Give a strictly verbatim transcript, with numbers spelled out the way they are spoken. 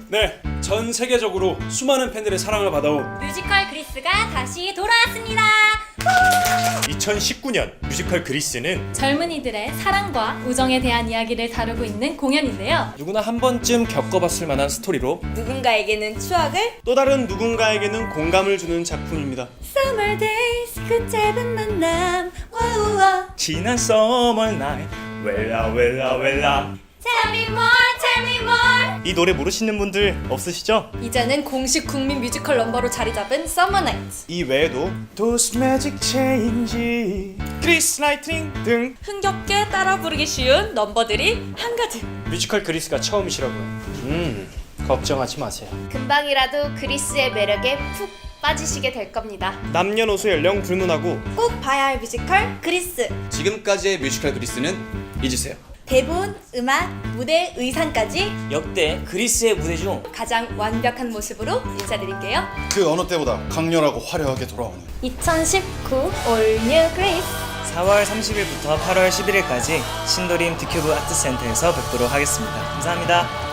네, 전 세계적으로 수많은 팬들의 사랑을 받아온 뮤지컬 그리스가 다시 돌아왔습니다. 이천십구 년 뮤지컬 그리스는 젊은이들의 사랑과 우정에 대한 이야기를 다루고 있는 공연인데요. 누구나 한 번쯤 겪어봤을 만한 스토리로 누군가에게는 추억을, 또 다른 누군가에게는 공감을 주는 작품입니다. Summer days 그 짧은 만남, 와우와. 지난 Summer night 웰라 웰라 웰라. Tell me more, tell me more. 이 노래 모르시는 분들 없으시죠? 이제는 공식 국민 뮤지컬 넘버로 자리 잡은 Summer Night. 이 외에도 Those Magic Change, 그리스 라이트닝 등 흥겹게 따라 부르기 쉬운 넘버들이 한가득. 뮤지컬 그리스가 처음이시라고요. 음, 걱정하지 마세요. 금방이라도 그리스의 매력에 푹 빠지시게 될 겁니다. 남녀노소 연령 불문하고 꼭 봐야 할 뮤지컬 그리스. 지금까지의 뮤지컬 그리스는 잊으세요. 대본, 음악, 무대, 의상까지 역대 그리스의 무대 중 가장 완벽한 모습으로 인사드릴게요. 그 어느 때보다 강렬하고 화려하게 돌아오는 이천십구 All New Greece. 사월 삼십일부터 팔월 십일일까지 신도림 득큐브 아트센터에서 뵙도록 하겠습니다. 감사합니다.